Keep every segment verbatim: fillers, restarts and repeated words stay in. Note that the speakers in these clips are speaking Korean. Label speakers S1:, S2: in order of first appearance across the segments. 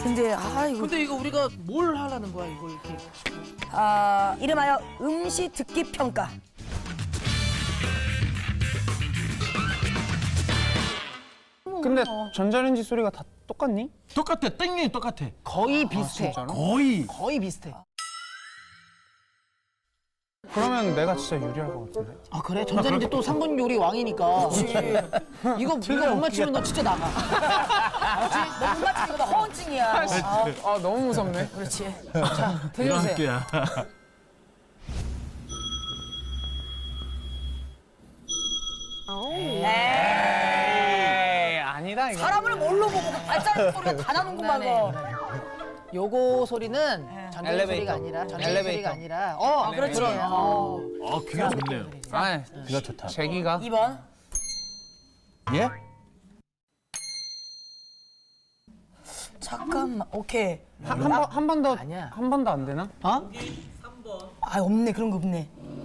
S1: 근데 아 이거
S2: 근데 이거 우리가 뭘 하라는 거야 이거 이렇게.
S1: 아 이름하여 음시 듣기 평가.
S3: 근데 전자레인지 소리가 다 똑같니?
S4: 똑같아. 땡이 똑같아.
S2: 거의 비슷해.
S3: 진짜로?
S4: 거의.
S2: 거의 비슷해.
S3: 그러면 내가 진짜 유리할 것 같은데.
S2: 아 그래? 전자레인지 또 삼 분 요리 왕이니까. 이거 이거 못 맞추면 너 진짜 나가.
S1: 알았지? 너못 맞추는 거다 허언증이야. 아,
S3: 아 너무 무섭네.
S1: 그렇지.
S2: 자 들려주세요.
S4: 학교야.
S3: 에이 아니다 이거.
S1: 사람을 뭘로 보고 발자국 소리가 다 나는구만. 거.
S2: 요거 소리는 전자레인지
S3: 엘리베이터.
S2: 소리가 아니라 전자레인지
S3: 엘리베이터.
S2: 소리가 아니라 어
S1: 그렇지.
S2: 그런 어.
S4: 어, 귀가 좋네요.
S3: 아
S4: 귀가 좋다.
S3: 제기가.
S1: 이 번.
S4: 예?
S1: 잠깐만. 오케이.
S3: 한 번 한 번 더
S2: 아니야.
S3: 한 번 더 안 되나?
S2: 어?
S1: 아 없네 그런 거 없네.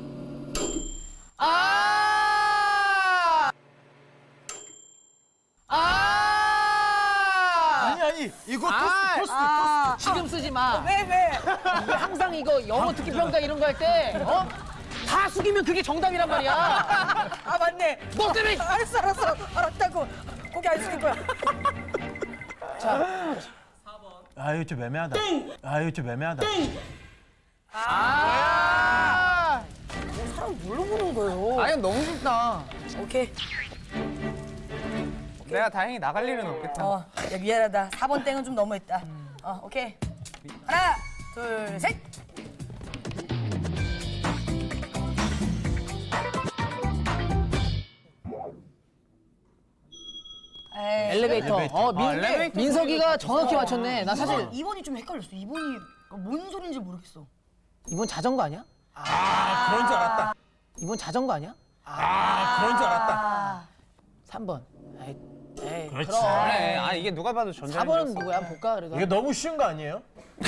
S2: 아! 아!
S4: 아니 아니 이거
S2: 아,
S4: 토스트 토스트.
S1: 아,
S2: 지금 쓰지 마.
S1: 왜 왜?
S2: 이게 항상 이거 영어 듣기 평가 이런 거 할 때 어? 다 숙이면 그게 정답이란 말이야.
S1: 아 맞네.
S2: 너 때문에.
S1: 알았어 알았어 알았다고. 고개 안 숙일 거야.
S4: 아 이거 좀 애매하다. 아 이거 좀 애매하다.
S2: 아!
S1: 사람 뭘로 보는 거예요?
S3: 아 이건 너무 쉽다.
S1: 오케이.
S3: 내가 다행히 나갈 일은 없겠다.
S1: 어, 야, 미안하다. 사 번 땡은 좀 너무했다. 어, 오케이. 하나, 둘, 셋. 에이,
S2: 엘리베이터.
S4: 엘리베이터.
S2: 어, 민,
S3: 아, 엘리베이터
S2: 민석이가 정확히 맞췄네. 나 사실
S1: 이 번이 좀 헷갈렸어. 이 번이 뭔 소리인지 모르겠어.
S2: 이번 자전거 아니야?
S4: 아 그런 줄 알았다.
S2: 이번 자전거 아니야?
S4: 아 그런 줄 알았다.
S1: 아,
S2: 삼 번. 에이, 에이
S4: 그렇지.
S2: 그럼.
S3: 그래. 아 이게 누가 봐도 전자레인지.
S2: 사 번은 누구야? 한번 볼까? 그래도.
S4: 이게 너무 쉬운 거 아니에요?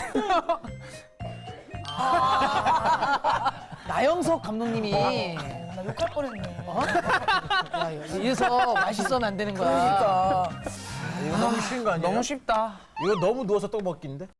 S2: 나영석 감독님이
S1: 나 욕할 뻔했네.
S2: 어? 야, 이래서 맛있어면 안 되는 거야.
S1: 그러니까.
S4: 이거 너무 쉬운 거 아니에요?
S3: 너무 쉽다.
S4: 이거 너무 누워서 떡 먹기인데?